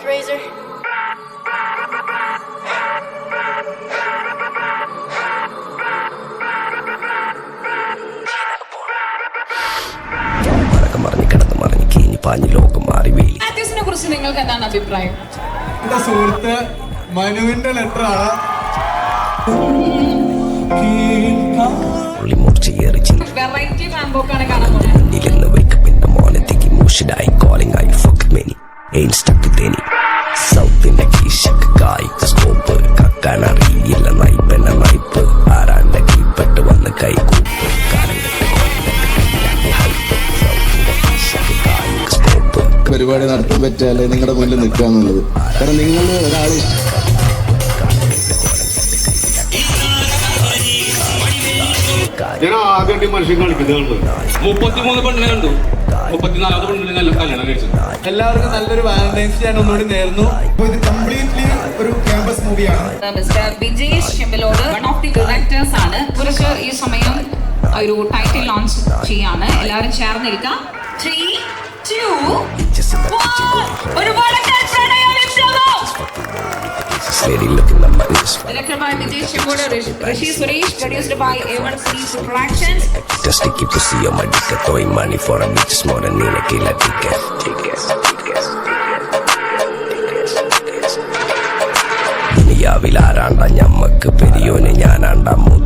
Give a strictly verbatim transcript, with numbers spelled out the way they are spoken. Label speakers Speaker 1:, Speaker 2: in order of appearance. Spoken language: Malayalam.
Speaker 1: Razor.
Speaker 2: ആർട്ടിസ്റ്റിനെ കുറിച്ച് നിങ്ങൾക്ക് എന്താണ് അഭിപ്രായം?
Speaker 3: എന്റെ സുഹൃത്ത് മനുവിന്റെ ലെറ്റർ ആണ്.
Speaker 2: വെറൈറ്റി റാംബോക്കാണ് കാണാൻ പോകുന്നത്.
Speaker 4: പരിപാടി നടത്താൻ പറ്റിയാലേ നിങ്ങളുടെ മുന്നിൽ നിൽക്കുക എന്നുള്ളത്. കാരണം നിങ്ങൾ ഒരാൾ
Speaker 5: ഞാൻ ആദ്യമായിട്ട് മനുഷ്യൻ കളിക്കുന്നത് മുപ്പത്തിമൂന്ന് പെണ്ണിനെ കണ്ടു, മുപ്പത്തിനാലാമത് പെണ്ണിനെ നല്ല കല്യാണം കഴിച്ചത്.
Speaker 3: എല്ലാവർക്കും നല്ലൊരു വാലന്റൈൻസ് ഞാൻ ഒന്നുകൂടി നേർന്നു. ഇത് കംപ്ലീറ്റ്ലി ഒരു ക്യാമ്പസ് മൂവിയാണ്.
Speaker 2: Mister Vijesh Chempalode one of the directors ആണ്. കുറച്ച് ഈ സമയം ഒരു ടൈറ്റിൽ ലോഞ്ച് ചെയ്യാണ്. എല്ലാവരും ചേർന്നിരിക്കാം. ത്രീ ടു ഒരുപാട് Directed by Vijesh Chemboda, Rishi Suresh, produced by A one C Productions.
Speaker 6: Just to keep to see your money, throwing money for a bitch more than in a killer ticket. ദുനിയാവിലാരാണ്ട ഞമ്മക്ക് പെരിയോന് ഞാനാണ്ട